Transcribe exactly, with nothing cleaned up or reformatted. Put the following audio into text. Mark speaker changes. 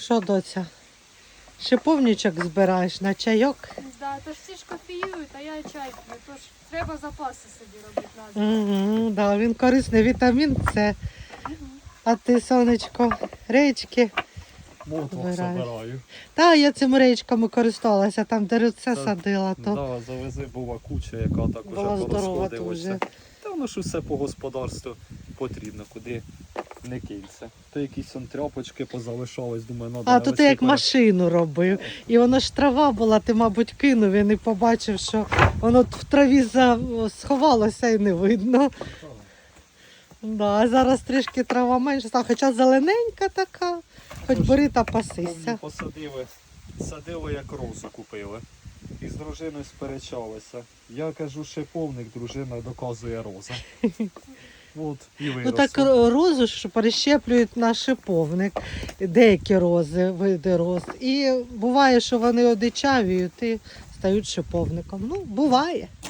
Speaker 1: Що, доця? Шиповничок збираєш на чайок?
Speaker 2: Да, то ж всі ж кофеюють, а я чай п'ю. Тож треба запаси собі робити надо.
Speaker 1: Угу, да, він корисний, вітамін С. А ти, сонечко, речки?
Speaker 3: Молоток
Speaker 1: Збираєш.
Speaker 3: собираю.
Speaker 1: Та, я цими речками користувалася, там де руце
Speaker 3: Та,
Speaker 1: садила, то
Speaker 3: Да, завези була куча, яка так
Speaker 1: була
Speaker 3: уже
Speaker 1: здорова
Speaker 3: порозходилася.
Speaker 1: дуже.
Speaker 3: Та воно ж усе по господарству потрібно, куди не кинься. То якісь он тряпочки позалишались, думаю, надо
Speaker 1: А, то ти
Speaker 3: навести
Speaker 1: як
Speaker 3: порядок.
Speaker 1: машину робив. І воно ж трава була, ти, мабуть, кинув і не побачив, що воно в траві за... сховалося і не видно. Да, а зараз трішки трава менше, стала, хоча зелененька така, хоч
Speaker 3: Тож,
Speaker 1: бери та
Speaker 3: Помню,
Speaker 1: пасися.
Speaker 3: посадили, садили як розу купили. І з дружиною сперечалися. Я кажу, шиповник, дружина доказує роза. От, і
Speaker 1: Ну
Speaker 3: виросло.
Speaker 1: так розу ж перещеплюють на шиповник, деякі рози, види роз. І буває, що вони одичавіють і стають шиповником. Ну, буває.